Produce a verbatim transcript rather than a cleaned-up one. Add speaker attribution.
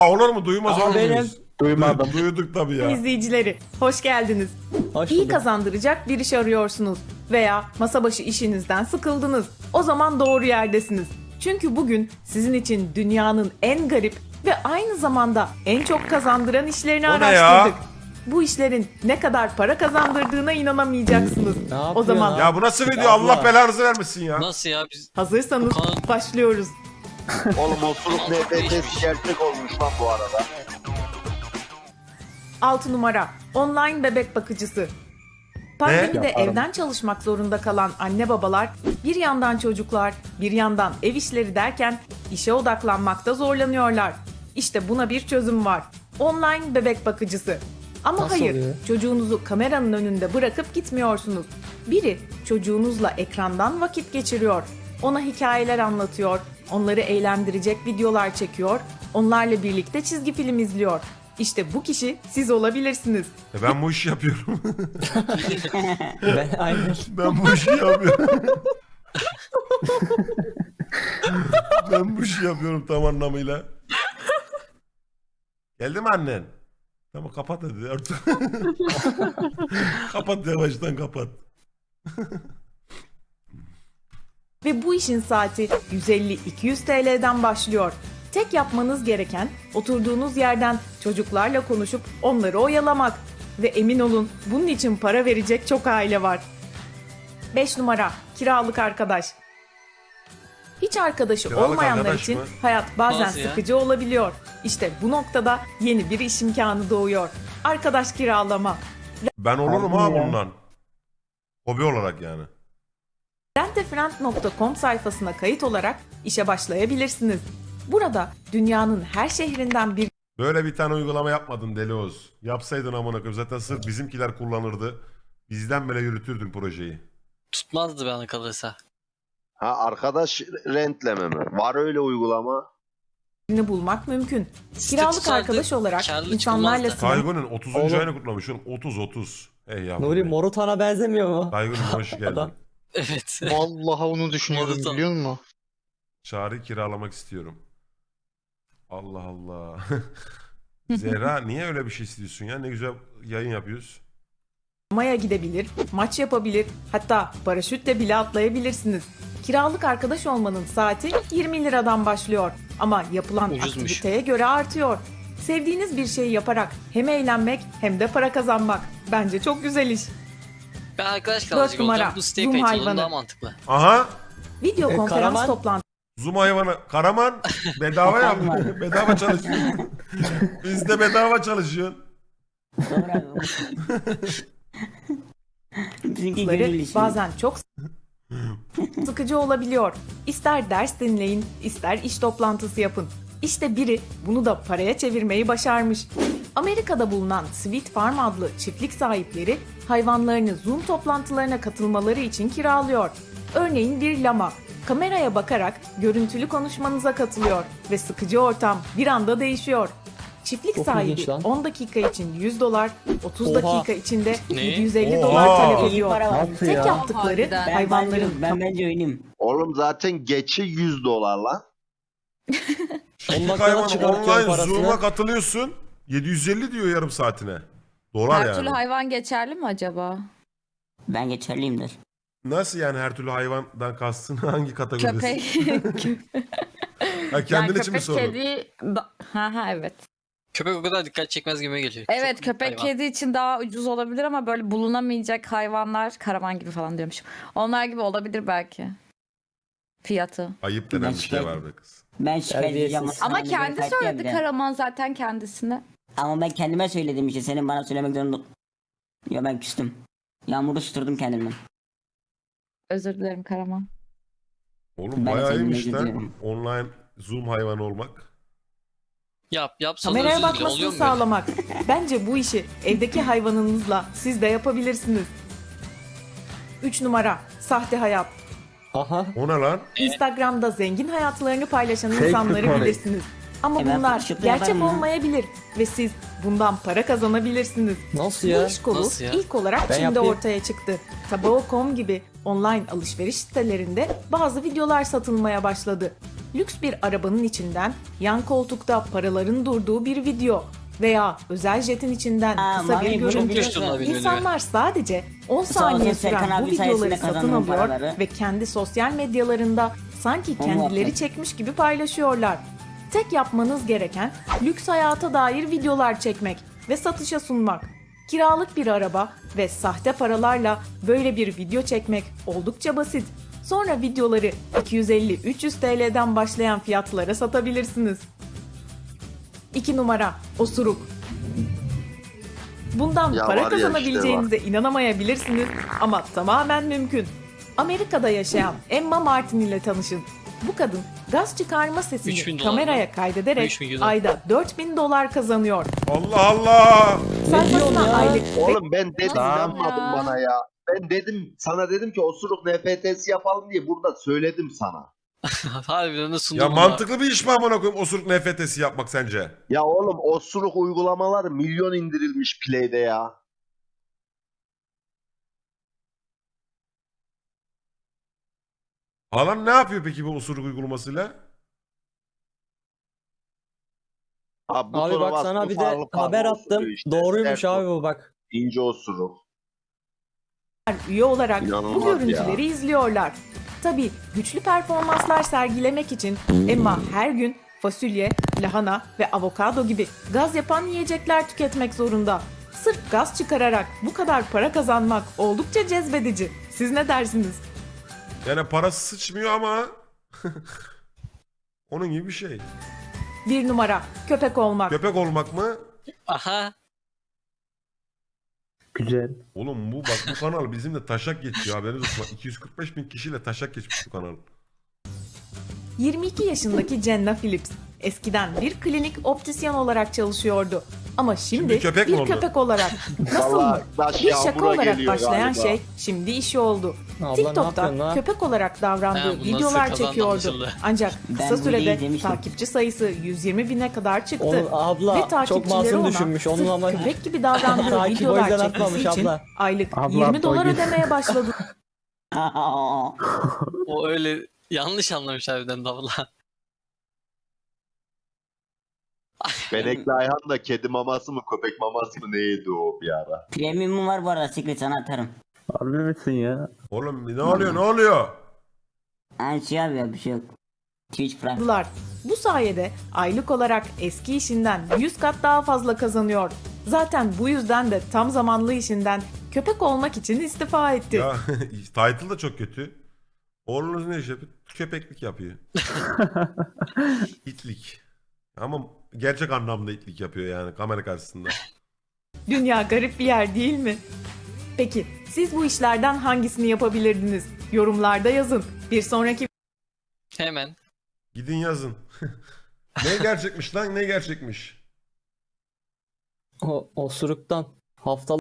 Speaker 1: Olur mu? Duymaz
Speaker 2: Aha,
Speaker 1: olur
Speaker 2: benim.
Speaker 1: muyuz?
Speaker 2: Duymadım.
Speaker 1: Du- Duyduk tabii ya.
Speaker 3: İzleyicileri, hoş geldiniz.
Speaker 2: Hoş
Speaker 3: İyi
Speaker 2: bulduk.
Speaker 3: kazandıracak bir iş arıyorsunuz veya masa başı işinizden sıkıldınız. O zaman doğru yerdesiniz. Çünkü bugün sizin için dünyanın en garip ve aynı zamanda en çok kazandıran işlerini
Speaker 1: O ne
Speaker 3: araştırdık.
Speaker 1: ya?
Speaker 3: Bu işlerin ne kadar para kazandırdığına inanamayacaksınız.
Speaker 2: Ne
Speaker 3: O
Speaker 2: yapıyor
Speaker 3: zaman
Speaker 2: lan?
Speaker 1: Ya bu nasıl video?
Speaker 2: Ya
Speaker 1: Allah
Speaker 2: Allah.
Speaker 1: belanızı vermesin ya.
Speaker 4: Nasıl ya biz
Speaker 3: hazırsanız
Speaker 4: Kaan-
Speaker 3: başlıyoruz.
Speaker 5: Oğlum oturup N F T'si gerçek olmuş lan bu arada.
Speaker 3: altı numara online bebek bakıcısı. Pandemide
Speaker 2: Yaparım.
Speaker 3: evden çalışmak zorunda kalan anne babalar bir yandan çocuklar, bir yandan ev işleri derken işe odaklanmakta zorlanıyorlar. İşte buna bir çözüm var. Online bebek bakıcısı. Ama
Speaker 2: Nasıl
Speaker 3: hayır,
Speaker 2: oluyor?
Speaker 3: çocuğunuzu kameranın önünde bırakıp gitmiyorsunuz. Biri çocuğunuzla ekrandan vakit geçiriyor. Ona hikayeler anlatıyor, onları eğlendirecek videolar çekiyor, onlarla birlikte çizgi film izliyor. İşte bu kişi siz olabilirsiniz.
Speaker 1: E ben bu işi yapıyorum.
Speaker 2: Ben aynen.
Speaker 1: Ben bu işi yapıyorum. Ben bu işi yapıyorum tam anlamıyla. Geldi mi annen? Tamam kapat hadi artık. Kapat yavaştan kapat.
Speaker 3: Ve bu işin saati yüz elli iki yüz T L'den başlıyor. Tek yapmanız gereken oturduğunuz yerden çocuklarla konuşup onları oyalamak. Ve emin olun bunun için para verecek çok aile var. beş numara kiralık arkadaş. Hiç arkadaşı
Speaker 1: Kiralık
Speaker 3: olmayanlar
Speaker 1: arkadaş
Speaker 3: için
Speaker 1: mı?
Speaker 3: hayat bazen
Speaker 4: Nasıl ya?
Speaker 3: sıkıcı olabiliyor. İşte bu noktada yeni bir iş imkanı doğuyor. Arkadaş kiralama.
Speaker 1: Ben olurum ha
Speaker 2: Harbi ya.
Speaker 1: bundan. Hobi olarak yani.
Speaker 3: rentefriend nokta com sayfasına kayıt olarak işe başlayabilirsiniz. Burada dünyanın her şehrinden bir
Speaker 1: Böyle bir tane uygulama yapmadın Deli Oğuz. Yapsaydın amına koyayım zaten sırf bizimkiler kullanırdı. Bizden bile yürütürdün projeyi.
Speaker 4: tutmazdı bana kalırsa.
Speaker 5: Ha arkadaş rentleme mi? Var öyle uygulama.
Speaker 3: birini bulmak mümkün.
Speaker 4: Site
Speaker 3: Kiralık
Speaker 4: tutardı,
Speaker 3: arkadaş olarak
Speaker 4: karlı
Speaker 3: insanlarla
Speaker 4: çıkmazdı.
Speaker 3: sınır
Speaker 1: Taygun'un otuzuncu
Speaker 2: Oğlum.
Speaker 1: ayını kutlamışsın. otuz otuz. Ey yavrum.
Speaker 2: Nuri
Speaker 1: ey.
Speaker 2: Morutan'a benzemiyor mu?
Speaker 1: Taygun'um hoş geldin.
Speaker 2: Adam.
Speaker 4: Evet.
Speaker 6: Vallahi onu düşünüyordum
Speaker 4: Morutan.
Speaker 6: biliyor musun?
Speaker 1: Çağrı kiralamak istiyorum. Allah Allah. Zehra niye öyle bir şey istiyorsun ya? Ne güzel yayın yapıyoruz.
Speaker 3: Maya gidebilir, maç yapabilir, hatta paraşütle bile atlayabilirsiniz. Kiralık arkadaş olmanın saati yirmi liradan başlıyor ama yapılan
Speaker 4: Ucuzmuş.
Speaker 3: aktiviteye göre artıyor. Sevdiğiniz bir şeyi yaparak hem eğlenmek hem de para kazanmak. Bence çok güzel iş.
Speaker 4: Ben arkadaş kalacak
Speaker 3: numara,
Speaker 4: olacağım. Bu siteye
Speaker 3: Zoom
Speaker 4: kayıt
Speaker 3: hayvanı.
Speaker 4: olalım daha mantıklı.
Speaker 1: Aha.
Speaker 3: Video
Speaker 2: E,
Speaker 3: konferans
Speaker 2: Karaman?
Speaker 3: toplantısı
Speaker 1: Zoom hayvanı. Karaman bedava yap. bedava çalışıyorsun. Biz de bedava çalışıyorsun.
Speaker 7: Bizimki
Speaker 3: Ları
Speaker 7: gönül işi.
Speaker 3: bazen çok sıkıcı olabiliyor. İster ders dinleyin, ister iş toplantısı yapın. İşte biri bunu da paraya çevirmeyi başarmış. Amerika'da bulunan Sweet Farm adlı çiftlik sahipleri hayvanlarını Zoom toplantılarına katılmaları için kiralıyor. Örneğin bir lama kameraya bakarak görüntülü konuşmanıza katılıyor ve sıkıcı ortam bir anda değişiyor. Çiftlik
Speaker 2: Çok
Speaker 3: sahibi
Speaker 2: ilginç lan.
Speaker 3: on dakika için yüz dolar, otuz
Speaker 2: Oha.
Speaker 3: dakika içinde
Speaker 4: Ne?
Speaker 3: yedi yüz elli
Speaker 1: Oha.
Speaker 3: dolar talep
Speaker 7: İyi
Speaker 3: ediyor.
Speaker 7: para var.
Speaker 2: Nasıl
Speaker 3: Tek
Speaker 2: ya?
Speaker 3: yaptıkları
Speaker 7: Ben,
Speaker 3: hayvanların
Speaker 7: ben, ben bence oynayayım.
Speaker 5: Oğlum zaten geçi yüz dolar lan.
Speaker 1: Çiftlik
Speaker 2: dakikada
Speaker 1: hayvanı
Speaker 2: çıkartıyor
Speaker 1: online
Speaker 2: parasını.
Speaker 1: Zoom'a katılıyorsun. yedi yüz elli diyor yarım saatine. Dolar
Speaker 8: Her
Speaker 1: yani.
Speaker 8: türlü hayvan geçerli mi acaba?
Speaker 7: Ben geçerliyimdir.
Speaker 1: Nasıl yani her türlü hayvandan kastın hangi kategorisi?
Speaker 8: Köpek.
Speaker 1: Ha, kendin
Speaker 8: yani
Speaker 1: için mi
Speaker 8: köpek
Speaker 1: sordun?
Speaker 8: kedi. Da- Ha ha evet.
Speaker 4: Köpek o kadar dikkat çekmez gibi geliyor.
Speaker 8: Evet
Speaker 4: Çok
Speaker 8: köpek
Speaker 4: hayvan.
Speaker 8: kedi için daha ucuz olabilir ama böyle bulunamayacak hayvanlar karavan gibi falan diyormuşum. Onlar gibi olabilir belki. Fiyatı.
Speaker 1: Ayıp denen
Speaker 7: Ben
Speaker 1: bir şey
Speaker 7: şikayet-
Speaker 1: var be kız.
Speaker 7: Ben şikayet edeceğim.
Speaker 2: Terbiyesiz.
Speaker 8: Ama
Speaker 7: Sana
Speaker 8: kendi
Speaker 7: göre kalp
Speaker 8: söyledi
Speaker 7: diye bir de.
Speaker 8: Karaman zaten kendisine.
Speaker 7: Ama ben kendime söyledim işte. Senin bana söylemek zorunda. Ya ben küstüm. Yağmuru susturdum kendimden.
Speaker 8: Özür dilerim Karaman.
Speaker 1: Oğlum
Speaker 7: Ben
Speaker 1: bayağı
Speaker 7: seninle
Speaker 1: iyiymiş lan.
Speaker 7: gidiyorum.
Speaker 1: Online Zoom hayvanı olmak.
Speaker 4: Yap yap sonra
Speaker 3: kameraya
Speaker 4: özür dile. Oluyor
Speaker 3: bakmasını
Speaker 4: mu böyle?
Speaker 3: sağlamak. Bence bu işi evdeki hayvanınızla siz de yapabilirsiniz. üç numara sahte hayat.
Speaker 2: Aha.
Speaker 1: O ne lan?
Speaker 3: Instagram'da zengin hayatlarını paylaşan
Speaker 2: Fake
Speaker 3: insanları
Speaker 2: money.
Speaker 3: bilirsiniz. Ama
Speaker 7: E ben
Speaker 3: bunlar
Speaker 7: Photoshop'ta
Speaker 3: gerçek
Speaker 7: yaparım ya.
Speaker 3: olmayabilir ve siz bundan para kazanabilirsiniz.
Speaker 2: Nasıl
Speaker 3: Bu
Speaker 2: ya?
Speaker 3: iş kolu
Speaker 4: Nasıl ya?
Speaker 3: ilk olarak
Speaker 2: Ben
Speaker 3: Çin'de
Speaker 2: yapayım.
Speaker 3: ortaya çıktı. Tabao nokta com gibi online alışveriş sitelerinde bazı videolar satılmaya başladı. lüks bir arabanın içinden yan koltukta paraların durduğu bir video veya özel jetin içinden
Speaker 7: Aa,
Speaker 3: kısa
Speaker 7: Mami,
Speaker 3: bir
Speaker 7: bunu
Speaker 3: görüntü.
Speaker 7: biliyorsun.
Speaker 4: Çok düştüm
Speaker 3: İnsanlar sadece on
Speaker 7: Sağ
Speaker 3: saniye
Speaker 7: olsun Serkan
Speaker 3: süren bu
Speaker 7: abi sayesinde
Speaker 3: videoları satın
Speaker 7: kazandım
Speaker 3: alıyor
Speaker 7: paraları.
Speaker 3: ve kendi sosyal medyalarında sanki
Speaker 7: Onu
Speaker 3: kendileri
Speaker 7: yaptım.
Speaker 3: çekmiş gibi paylaşıyorlar. Tek yapmanız gereken lüks hayata dair videolar çekmek ve satışa sunmak. Kiralık bir araba ve sahte paralarla böyle bir video çekmek oldukça basit. Sonra videoları iki yüz elli üç yüz T L'den başlayan fiyatlara satabilirsiniz. iki numara osuruk. Bundan
Speaker 5: Ya
Speaker 3: para
Speaker 5: var ya işte
Speaker 3: kazanabileceğinize inanamayabilirsiniz ama tamamen mümkün. Amerika'da yaşayan Emma Martin ile tanışın. Bu kadın gaz çıkarma
Speaker 4: üç bin
Speaker 3: sesini
Speaker 4: dolar
Speaker 3: kameraya
Speaker 4: mı?
Speaker 3: kaydederek
Speaker 4: üç bin dolar.
Speaker 3: ayda dört bin dolar kazanıyor.
Speaker 1: Allah Allah.
Speaker 3: Sayfasına
Speaker 2: ya?
Speaker 3: aylık
Speaker 5: Oğlum ben dedim
Speaker 8: Nasıl
Speaker 5: inanmadın
Speaker 8: ya?
Speaker 5: bana ya. Ben dedim sana dedim ki osuruk N F T'si yapalım diye burada söyledim sana.
Speaker 4: Harbiden de sundum
Speaker 1: Ya
Speaker 4: bunu.
Speaker 1: mantıklı bir iş mi amına koyayım osuruk N F T'si yapmak sence?
Speaker 5: Ya oğlum osuruk uygulamalar milyon indirilmiş Play'de ya.
Speaker 1: Halan ne yapıyor peki bu osuruk uygulamasıyla?
Speaker 5: Abi,
Speaker 2: Abi
Speaker 5: butona
Speaker 2: bak
Speaker 5: bastın,
Speaker 2: sana bir de
Speaker 5: farklı farklı
Speaker 2: haber attım.
Speaker 5: osuruyor işte.
Speaker 2: Doğruymuş
Speaker 5: Sert
Speaker 2: abi bu bak.
Speaker 5: İnce osuruk.
Speaker 3: üye olarak bu
Speaker 5: İnanılmaz
Speaker 3: görüntüleri izliyorlar. Tabii güçlü performanslar sergilemek için Emma her gün fasulye, lahana ve avokado gibi gaz yapan yiyecekler tüketmek zorunda. Sırf gaz çıkararak bu kadar para kazanmak oldukça cezbedici. Siz ne dersiniz?
Speaker 1: Yani parası sıçmıyor ama onun gibi bir şey.
Speaker 3: Bir numara köpek olmak.
Speaker 1: Köpek olmak mı?
Speaker 4: Aha.
Speaker 2: Güzel.
Speaker 1: Oğlum bu bak bu kanal bizimle taşak geçiyor haberiniz olsun. Bak, iki yüz kırk beş bin kişiyle taşak geçmiş bu kanal.
Speaker 3: yirmi iki yaşındaki Jenna Phillips eskiden bir klinik optisyen olarak çalışıyordu. Ama şimdi,
Speaker 1: Şimdi köpek mi
Speaker 3: bir
Speaker 1: oldu?
Speaker 3: köpek olarak. Nasıl mı?
Speaker 5: Vallahi taş
Speaker 3: Bir şaka
Speaker 5: yağmura
Speaker 3: olarak
Speaker 5: geliyor
Speaker 3: başlayan
Speaker 5: galiba.
Speaker 3: şey şimdi işi oldu.
Speaker 2: Abla ne
Speaker 3: TikTok'ta
Speaker 2: yapıyorsun lan?
Speaker 3: köpek olarak davrandığı
Speaker 4: Ha, bu nasıl
Speaker 3: videolar
Speaker 4: kazandı
Speaker 3: çekiyordu.
Speaker 4: anlaşıldı.
Speaker 3: Ancak
Speaker 7: Ben
Speaker 3: kısa
Speaker 7: bunu
Speaker 3: sürede
Speaker 7: izlemiştim.
Speaker 3: takipçi sayısı yüz yirmi bine kadar çıktı.
Speaker 2: Onu
Speaker 3: Ve
Speaker 2: abla çok
Speaker 3: takipçileri
Speaker 2: masum
Speaker 3: ona
Speaker 2: düşünmüş. Onun
Speaker 3: sırf
Speaker 2: ama
Speaker 3: köpek gibi davrandığı
Speaker 2: Takip o
Speaker 3: videolar
Speaker 2: yüzden
Speaker 3: çekmesi
Speaker 2: atmamış
Speaker 3: için
Speaker 2: abla.
Speaker 3: aylık
Speaker 2: Abla,
Speaker 3: yirmi dolar
Speaker 2: boy-
Speaker 3: ödemeye başladı.
Speaker 4: O öyle yanlış anlamış harbiden davula.
Speaker 5: Benekli Ayhan da kedi maması mı köpek maması mı ne yedi o bir ara.
Speaker 7: Premium'um var bu arada Secret sana atarım.
Speaker 2: Harbi misin ya?
Speaker 1: Oğlum ne oluyor ne oluyor?
Speaker 7: Yani şey abi ya bir şey yok. Twitch Prime.
Speaker 3: Dolar. Bu sayede aylık olarak eski işinden yüz kat daha fazla kazanıyor. Zaten bu yüzden de tam zamanlı işinden köpek olmak için istifa etti.
Speaker 1: Ya title da çok kötü. Oğlunuz ne iş yapıyor? Köpeklik yapıyor. İtlik. Ama gerçek anlamda itlik yapıyor yani kamera karşısında.
Speaker 3: Dünya garip bir yer değil mi? Peki siz bu işlerden hangisini yapabilirdiniz? Yorumlarda yazın. Bir sonraki
Speaker 4: Hemen.
Speaker 1: Gidin yazın. Ne gerçekmiş lan ne gerçekmiş?
Speaker 2: O osuruktan haftalık